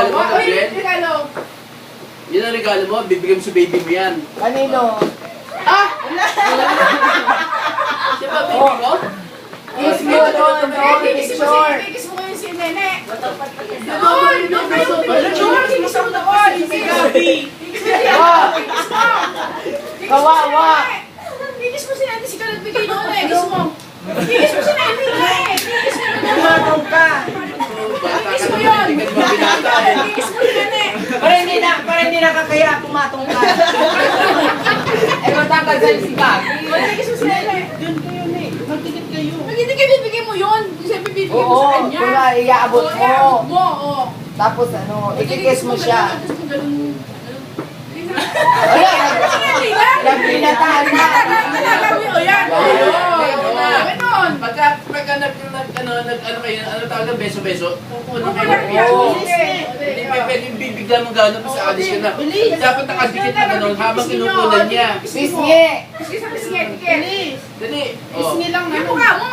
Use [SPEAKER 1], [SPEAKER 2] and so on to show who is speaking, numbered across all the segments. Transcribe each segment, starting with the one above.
[SPEAKER 1] regalo mo, Gabriel?
[SPEAKER 2] Regalo.
[SPEAKER 1] Yan ang regalo mo, bibigyan mo sa baby mo yan.
[SPEAKER 3] Kanino?
[SPEAKER 1] Siya ba, baby mo?
[SPEAKER 3] Kiss mo doon, doon, picture.
[SPEAKER 2] Kiss mo ngayon si Nene.
[SPEAKER 3] Kawawa.
[SPEAKER 2] Kiss mo si Nene, si Kalat bigay noon eh. Kiss mo. Kiss mo si Nene eh. Kiss mo na.
[SPEAKER 3] Tumatong ka.
[SPEAKER 2] Kiss mo yun. Kiss mo si Nene.
[SPEAKER 3] Para hindi nakakaya, pumatong ka. Eh, matanggal sa'yo si Gabi.
[SPEAKER 2] Kiss mo si Nene.
[SPEAKER 4] Doon kayo, ne. Magtikit kayo.
[SPEAKER 2] Hindi kayo bibigyan mo yun. Siyempre bibigyan mo
[SPEAKER 3] Oo,
[SPEAKER 2] sa kanya.
[SPEAKER 3] kung iaabot mo.
[SPEAKER 2] Iaabot mo, oo.
[SPEAKER 3] Tapos ikikiss mo siya.
[SPEAKER 2] Ayan!
[SPEAKER 3] Nagbinataan na.
[SPEAKER 2] Ganon!
[SPEAKER 1] Pagka nag-ano kayo, ano tawag na, beso-beso, kukunin kayo ng
[SPEAKER 3] Oo.
[SPEAKER 1] Hindi pa pwedeng bibigyan mo gano'n kasi alis ka na. Dapat nakadikit na gano'n habang kinukunan niya.
[SPEAKER 3] Pisngi.
[SPEAKER 2] Bilis!
[SPEAKER 1] Dali.
[SPEAKER 4] Pisngi lang
[SPEAKER 2] Yung
[SPEAKER 4] na.
[SPEAKER 2] mukha mo!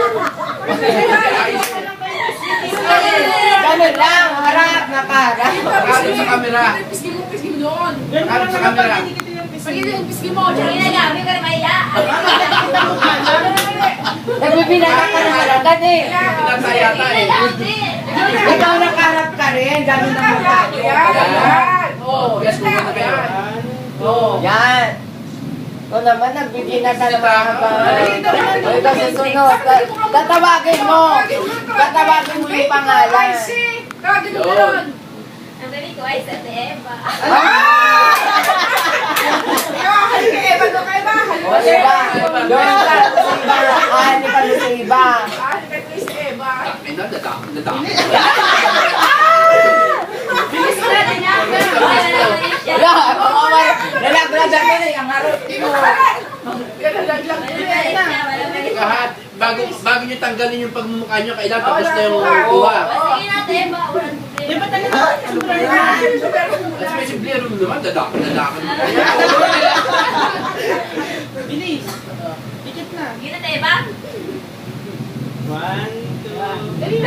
[SPEAKER 3] Ganun lang, harap, nakaharap.
[SPEAKER 1] Harap sa camera.
[SPEAKER 2] Pisgi mo doon!
[SPEAKER 1] Harap sa camera.
[SPEAKER 2] Pisgi mo! Diyan na gabi ka na maya!
[SPEAKER 3] Nagbibinata ka naman agad eh.
[SPEAKER 1] Pinatayata eh.
[SPEAKER 3] Ikaw nakaharap ka rin, ganun ang mukha nyo.
[SPEAKER 1] Yes, kukuha na kayo.
[SPEAKER 3] Yan. O naman, nagbibinata ng mga habang. O ikaw susunod. Tatawagin mo. Tatawagin mo yung pangalan.
[SPEAKER 2] Tawagin mo doon!
[SPEAKER 5] Ang baby ko ay sa Eva.
[SPEAKER 2] Halika Eva doon kay Eva!
[SPEAKER 3] O diba? Doon ka sa iba. Ahali ka doon sa iba.
[SPEAKER 2] Halika doon si Eva!
[SPEAKER 1] Ay na, dadami.
[SPEAKER 2] Bilis mo natin yan!
[SPEAKER 3] Wala, nalaglagan ka na yung harap mo.
[SPEAKER 1] Kahat, bago nyo tanggalin yung pagmumukha nyo, kailangan tapos na yung kuha.
[SPEAKER 5] Sige natin, Eva. Walang
[SPEAKER 4] Di ba
[SPEAKER 5] problema.
[SPEAKER 4] talaga?
[SPEAKER 1] At may simplero mo naman, dadakan mo.
[SPEAKER 4] Bilis. Dikit na.
[SPEAKER 5] Sige natin, Eva.
[SPEAKER 4] 1, 2.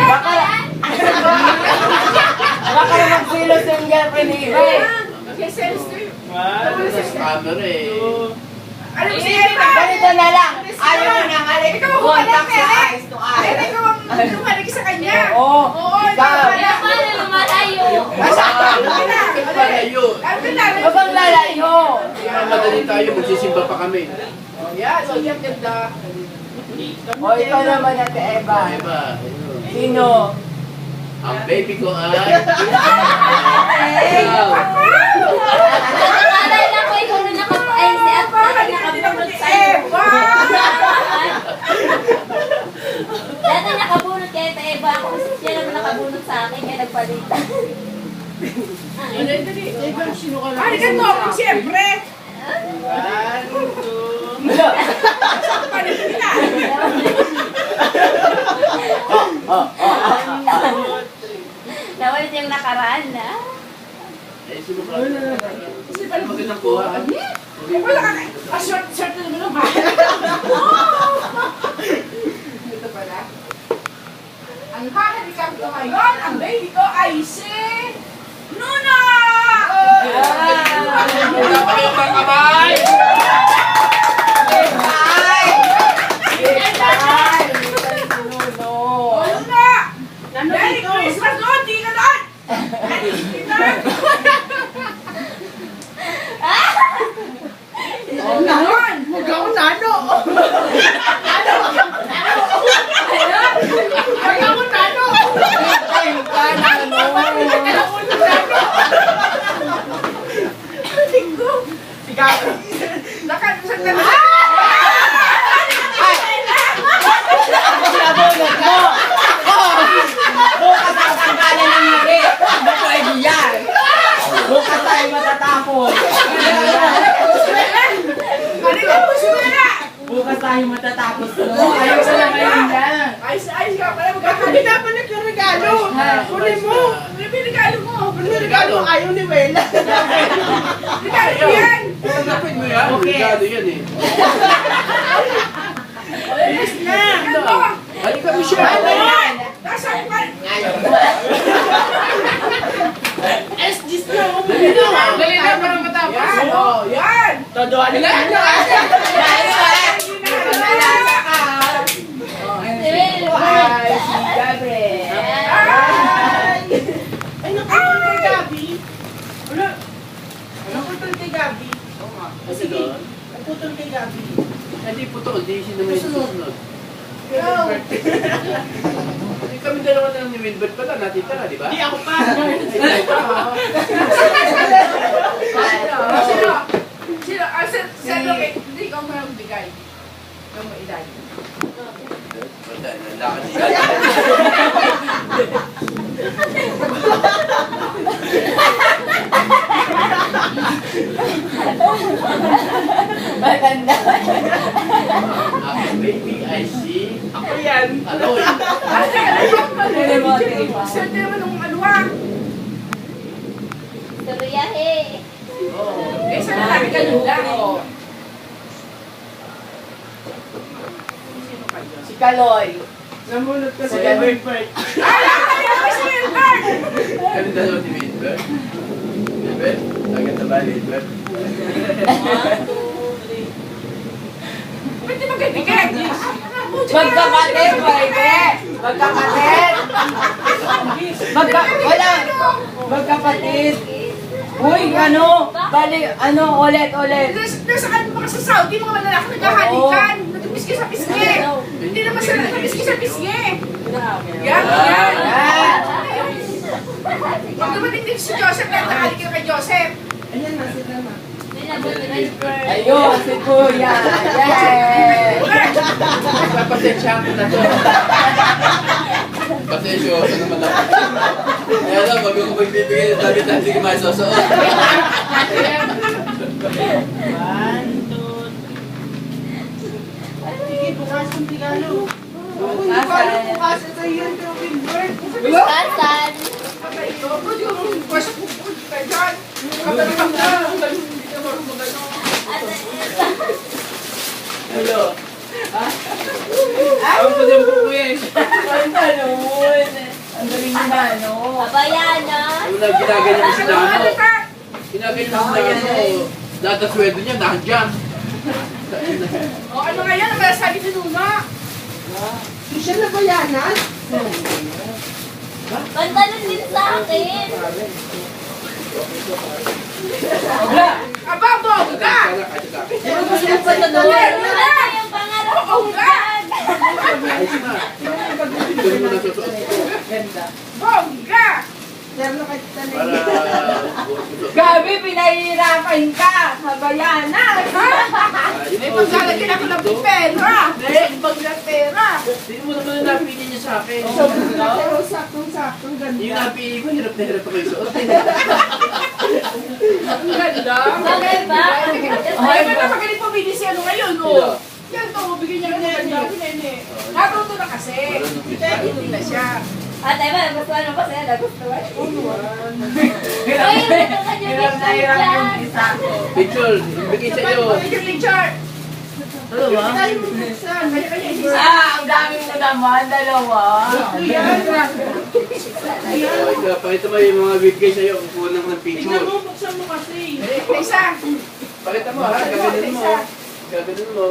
[SPEAKER 3] Baka na magsilos yung girlfriend ni Iba eh.
[SPEAKER 2] Okay, sense to you.
[SPEAKER 4] 1,
[SPEAKER 1] Sa camera eh.
[SPEAKER 4] 2.
[SPEAKER 2] Ano si Eva?
[SPEAKER 3] Ganito na lang. Ayaw mo nang halik.
[SPEAKER 2] Ikaw ang
[SPEAKER 3] Contact
[SPEAKER 2] humalik,
[SPEAKER 3] sa
[SPEAKER 2] eh.
[SPEAKER 3] eyes to eyes.
[SPEAKER 2] Ikaw ang lumalik sa kanya.
[SPEAKER 3] Oo.
[SPEAKER 2] Oo,
[SPEAKER 3] Ikaw.
[SPEAKER 5] Kaya paano lumalayo?
[SPEAKER 1] Bakit pala yun?
[SPEAKER 3] Huwag kang lalayo.
[SPEAKER 1] Madali tayo, magsisimba pa kami.
[SPEAKER 2] Yan, so yan ganda.
[SPEAKER 3] O ikaw naman Ate Eva.
[SPEAKER 1] Diba?
[SPEAKER 3] Sino?
[SPEAKER 1] Ang baby ko ay... Ikaw.
[SPEAKER 5] Alay na ko, ikaw na ay si Ate nakabunot sa
[SPEAKER 2] Eva!
[SPEAKER 5] Dati nakabunot kay Ate Eva. Ako siya naman nakabunot sa akin, kaya nagpalitan.
[SPEAKER 4] Eva, sino ka lang?
[SPEAKER 2] Ay, ganito ako siyempre.
[SPEAKER 4] 1, 2.
[SPEAKER 2] Paano kita?
[SPEAKER 5] Nawalit yung nakaraan na.
[SPEAKER 1] Eh, sino ka? Magandang kuha.
[SPEAKER 2] Wala ka na. Short na naman ang mahal. Ito pala. Ang hahalikan ko ngayon, ang baby ko ay si... Nuna!
[SPEAKER 1] Dapat ang kamay!
[SPEAKER 3] Ay! Ay! Sinuno.
[SPEAKER 2] Nuna!
[SPEAKER 4] Ano
[SPEAKER 2] Merry
[SPEAKER 4] dito?
[SPEAKER 2] Christmas doon! Di ka doon! Doon!
[SPEAKER 4] Huwag ako nano.
[SPEAKER 2] Ay, ako nano!
[SPEAKER 3] Ay, ka na ano.
[SPEAKER 2] Nakalimutan ka na.
[SPEAKER 3] Nabunod mo. Bukas ang tanggalan ng ngiti. Bako ay diyan. Bukas tayo matatapos. Bukas tayo matatapos. Ayaw sa na kayo yan.
[SPEAKER 2] Ayos ka pala.
[SPEAKER 4] Hindi dapat yung regalo. Kunin mo.
[SPEAKER 2] Ano yung regalo mo?
[SPEAKER 4] Ano yung regalo? Ayaw ni Wela.
[SPEAKER 2] Regalo yan!
[SPEAKER 1] Tanggapin mo yan. Regalo yan eh.
[SPEAKER 2] Ayos na! Ano?
[SPEAKER 1] Halika mo siya.
[SPEAKER 2] Ano? Nasaan pa?
[SPEAKER 1] Dali na, para matapos.
[SPEAKER 2] Yan, oh, yan.
[SPEAKER 4] Todoan
[SPEAKER 1] Wala
[SPEAKER 4] na.
[SPEAKER 1] na.
[SPEAKER 3] Ay, si Gabriel.
[SPEAKER 4] Ay, naputol kay Gabi. Wala. Naputol kay Gabi.
[SPEAKER 1] Kasi doon,
[SPEAKER 4] Naputol kay Gabi.
[SPEAKER 1] hindi putol, di siya naman yung susunod.
[SPEAKER 2] Go.
[SPEAKER 1] Hindi kami dalawa na ni Wilbert pala, natitira, di ba?
[SPEAKER 4] Di ako pa.
[SPEAKER 2] Sino? Sino? Sino? Hindi ko magbigay. Yung mailay.
[SPEAKER 1] Wala, nalakad siya.
[SPEAKER 3] Maganda.
[SPEAKER 1] Baby, I see.
[SPEAKER 4] Ako yan.
[SPEAKER 1] Aloy.
[SPEAKER 2] Sino naman nung alwa?
[SPEAKER 5] Sabayahe.
[SPEAKER 2] Eh, saan na lagi kanula?
[SPEAKER 3] Si Kaloy.
[SPEAKER 4] Namunod ka sa
[SPEAKER 3] Si Gabi.
[SPEAKER 4] Everbird.
[SPEAKER 2] Si Wilbert!
[SPEAKER 1] Kami dalawa ni Wilbert. Wilbert, agad na ba, Wilbert?
[SPEAKER 2] Ba't di magkaibigan?
[SPEAKER 3] Magkapatid, pwede. Magkapatid. Wala. Magkapatid. Uy, ano? Bali, ulit.
[SPEAKER 2] Nasa ano mga sa Saudi, mga malalaki naghahalikan. Nagpiski sa pisngi. Hindi naman sila nagpiski sa pisngi. Yan.
[SPEAKER 3] Yan.
[SPEAKER 2] Pag dumating din si Joseph, nakahalik ka kay Joseph.
[SPEAKER 4] Ayan na, sila na.
[SPEAKER 3] Ayun, si Kuya. Yay!
[SPEAKER 1] Papasensya ko na to. Pasensya ko naman ako. Kaya lang, wag ko magbibigay ng damit na hindi ko masusuot.
[SPEAKER 4] 1, 2, sige, bukas ang regalo. Uy, hindi ko alam bukas. Ito yun, pero Wilbert.
[SPEAKER 5] Tasan.
[SPEAKER 2] Patay ko. Pwede ko mong request po po kayo dyan. Katanong na. Hindi ka marunong magano.
[SPEAKER 1] Hello.
[SPEAKER 3] Ang ganun. Ang galing naman, no?
[SPEAKER 5] Abayana.
[SPEAKER 1] Yung ginaganyan mo si
[SPEAKER 2] Ano
[SPEAKER 1] Nano.
[SPEAKER 2] ka?
[SPEAKER 1] Ginaganyan mo si Nano. Lahat ng sweldo niya, nandiyan.
[SPEAKER 2] O ano nga yan? Ang sabi ni Luna.
[SPEAKER 4] Siya na ba yanan?
[SPEAKER 5] Pantalon din sa akin.
[SPEAKER 2] Aba, bongga!
[SPEAKER 5] Ano yung pangarap kong bag?
[SPEAKER 1] Ayos na. Ito mo na susuot ko.
[SPEAKER 2] Bongga!
[SPEAKER 4] Meron ka kita na
[SPEAKER 1] Para...
[SPEAKER 3] Gabi, pinahihirapan ka. Habayana.
[SPEAKER 2] May paglalagyan ako ng pera. Bag na pera.
[SPEAKER 1] Hindi mo naman na napili niya sa akin.
[SPEAKER 4] Pero saktong-saktong
[SPEAKER 1] Yung
[SPEAKER 4] ganda.
[SPEAKER 1] napili ko, hirap na hirap ako isuot.
[SPEAKER 2] Ang ganda.
[SPEAKER 5] Bagay ba?
[SPEAKER 2] Ay, ba't napagaling pumili si ano ngayon, oh? Yan to, bigyan niya ng ganda. Natuto na kasi. Hindi na siya.
[SPEAKER 5] Ate, ba? Nagustuhan mo ba sa'yo? Nagustuhan?
[SPEAKER 3] Hirap
[SPEAKER 5] Uy, ito ka dyan.
[SPEAKER 3] na hirap yung isa.
[SPEAKER 1] Picture, ibigay sa iyo.
[SPEAKER 2] Picture, picture.
[SPEAKER 4] Tayo mo buksan.
[SPEAKER 2] Kanya-kanya isa.
[SPEAKER 3] Ang dami mo naman, dalawa.
[SPEAKER 4] Ayan.
[SPEAKER 1] Oh, ikaw, pakita mo yung mga bigay sa iyo. Kukuha ng
[SPEAKER 4] Tingnan
[SPEAKER 1] picture.
[SPEAKER 4] mo, buksan mo kasi.
[SPEAKER 2] Isa.
[SPEAKER 1] Pakita mo ha, gaganin mo. Gaganin mo.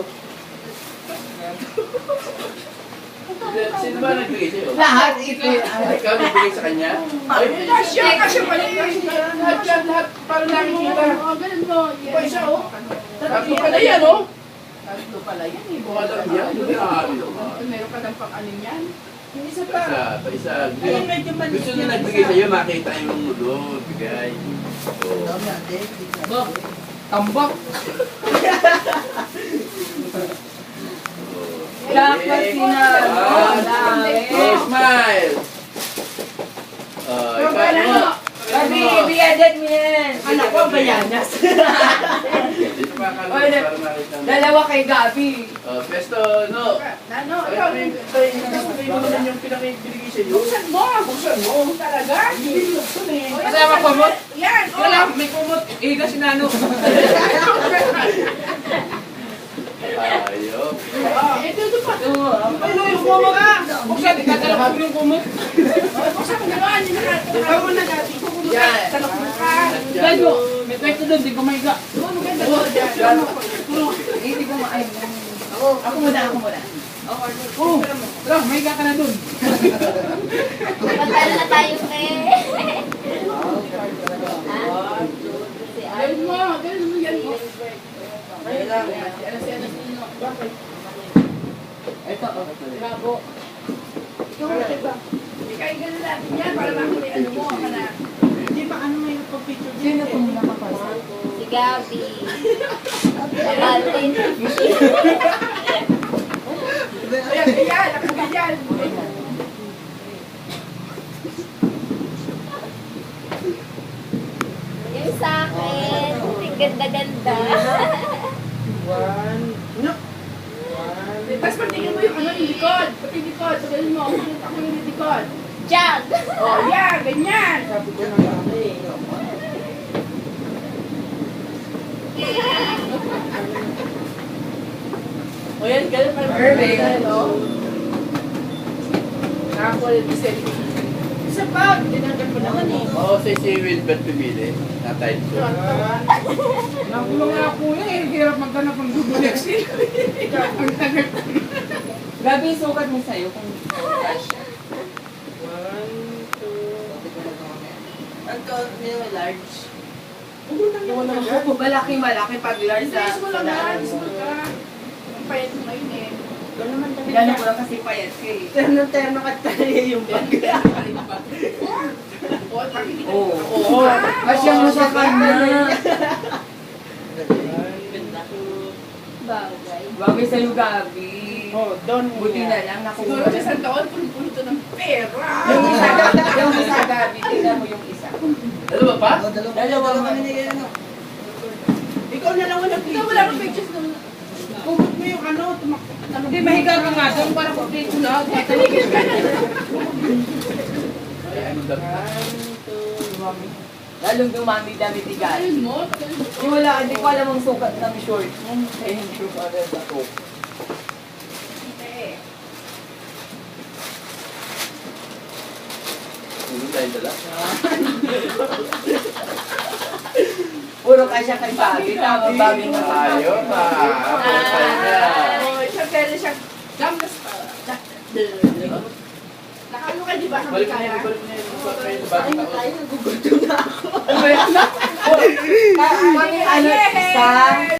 [SPEAKER 1] Sino ba nagbigay sa iyo?
[SPEAKER 3] Lahat ito.
[SPEAKER 1] Ikaw nagbigay sa kanya? Ay,
[SPEAKER 2] Kasya pala yun.
[SPEAKER 1] lahat yan, lahat. Para nakikita.
[SPEAKER 2] Ganun mo.
[SPEAKER 1] Pa isa oh. Tatlo pala yan oh.
[SPEAKER 2] Tatlo pala yan eh.
[SPEAKER 1] Mukha lang yan. Grabe naman.
[SPEAKER 2] Meron ka ng pang-anin yan.
[SPEAKER 4] Yung isa pa.
[SPEAKER 1] Isa.
[SPEAKER 4] Ayun, medyo maliit
[SPEAKER 1] Gusto na
[SPEAKER 4] yung
[SPEAKER 1] nagbigay
[SPEAKER 4] isa.
[SPEAKER 1] sa iyo, makita yung mulo. Bigay. Oh.
[SPEAKER 3] Tambak.
[SPEAKER 1] Oh.
[SPEAKER 3] Dapat sinalo.
[SPEAKER 1] Oh, smile. Oh, ikaw.
[SPEAKER 3] Gabi, ibiyadan mo yan.
[SPEAKER 4] Anak ko, bayanas.
[SPEAKER 1] Dito pa ka
[SPEAKER 3] Oy,
[SPEAKER 1] para makita mo.
[SPEAKER 3] Dalawa kay Gabi.
[SPEAKER 1] Oh, pesto, no.
[SPEAKER 2] Ano?
[SPEAKER 1] Ay,
[SPEAKER 2] Ikaw.
[SPEAKER 1] sabi mo naman yung pinakibigay sa iyo.
[SPEAKER 2] Buksan mo. Buksan mo. Talaga? Hindi buksan eh.
[SPEAKER 3] Kasama ko mo?
[SPEAKER 2] Yan.
[SPEAKER 3] Wala, may kumot. Iga si Nano.
[SPEAKER 1] Ayok.
[SPEAKER 2] Ito pa.
[SPEAKER 3] Ano yung kumot? Buksan, ikatalak ko yung kumot.
[SPEAKER 2] Buksan mo gano'n.
[SPEAKER 4] Ikaw mo na dati.
[SPEAKER 2] Yan. Talok mo ka. Ay, do. May pwesto doon, di ko maiga.
[SPEAKER 3] Hindi ko maayon.
[SPEAKER 2] Ako muna. Oo, tara, maiga ka na doon.
[SPEAKER 5] Magkano na tayo, eh.
[SPEAKER 2] Ganun mo yan mo.
[SPEAKER 3] Ito,
[SPEAKER 2] Bravo. Hindi kayo ganun natin yan para makuli ano mo ka na.
[SPEAKER 4] Di ba ano may nagpa-picture
[SPEAKER 3] sino itong nakapasa?
[SPEAKER 5] Si Gabi. Martin.
[SPEAKER 2] Ayan, nakaganyan.
[SPEAKER 5] Yung sa akin. Ang ganda-ganda.
[SPEAKER 2] Tapos patingin mo yung ano, yung likod. Pati yung likod. Sabihin mo, ako yung likod.
[SPEAKER 5] Jug.
[SPEAKER 2] Oh, yeah, ganyan. O yan, ganun parang
[SPEAKER 3] Perfect.
[SPEAKER 2] nakakuha yung selfie. Isa pa, tinanggal mo naman eh.
[SPEAKER 1] Oo, si Wilbert pumili. Natay ko.
[SPEAKER 2] Nakulong nga po yan, hirap maghanap ng Google Excel. Ang tagal.
[SPEAKER 3] Gabi, sukat mo sa'yo kung cash. Malaki pag large
[SPEAKER 2] Size mo lang ha, small ka. Ang payat mo ngayon eh.
[SPEAKER 3] Pinano ko lang kasi payat ka eh.
[SPEAKER 4] Terno ka tayo yung bag.
[SPEAKER 3] Oo. Kasya mo sa kanya.
[SPEAKER 5] Bagay.
[SPEAKER 3] Bagay sa'yo, Gabi.
[SPEAKER 4] Oh, doon
[SPEAKER 3] Buti na lang
[SPEAKER 2] Siguro
[SPEAKER 3] nakuha.
[SPEAKER 2] sa isang taon, puno-puno to ng pera.
[SPEAKER 3] Yung isa, Gabi. Tingnan mo yung isa.
[SPEAKER 1] Dalawa pa?
[SPEAKER 3] Dalawa mo.
[SPEAKER 4] Ikaw na lang wala
[SPEAKER 2] Ikaw wala kang pictures ng...
[SPEAKER 4] Kumot mo yung ano, tumakbo.
[SPEAKER 2] Hindi, mahiga ka nga doon para complete na. Taligid ka na.
[SPEAKER 1] Ay, ano daw?
[SPEAKER 3] Lalong dumami damit ni Gabi.
[SPEAKER 2] Ayun mo, tagalin mo.
[SPEAKER 3] Di wala, hindi ko alam ang sukat ng short mo. Eh, hindi ko alam sa to.
[SPEAKER 1] Tulog tayo dala.
[SPEAKER 3] Puro kasya kay Gabi. Tama, Gabi na
[SPEAKER 1] Tayo pa. Tayo na.
[SPEAKER 2] Oh, siya pwede siya gamgas pa. Nakano ka, di ba?
[SPEAKER 1] Balik na
[SPEAKER 2] Kaya?
[SPEAKER 1] yun, balik na yun. Balik na
[SPEAKER 4] Ay,
[SPEAKER 1] yun.
[SPEAKER 4] tayo, nagugutom na ako.
[SPEAKER 3] Kami ano, isa,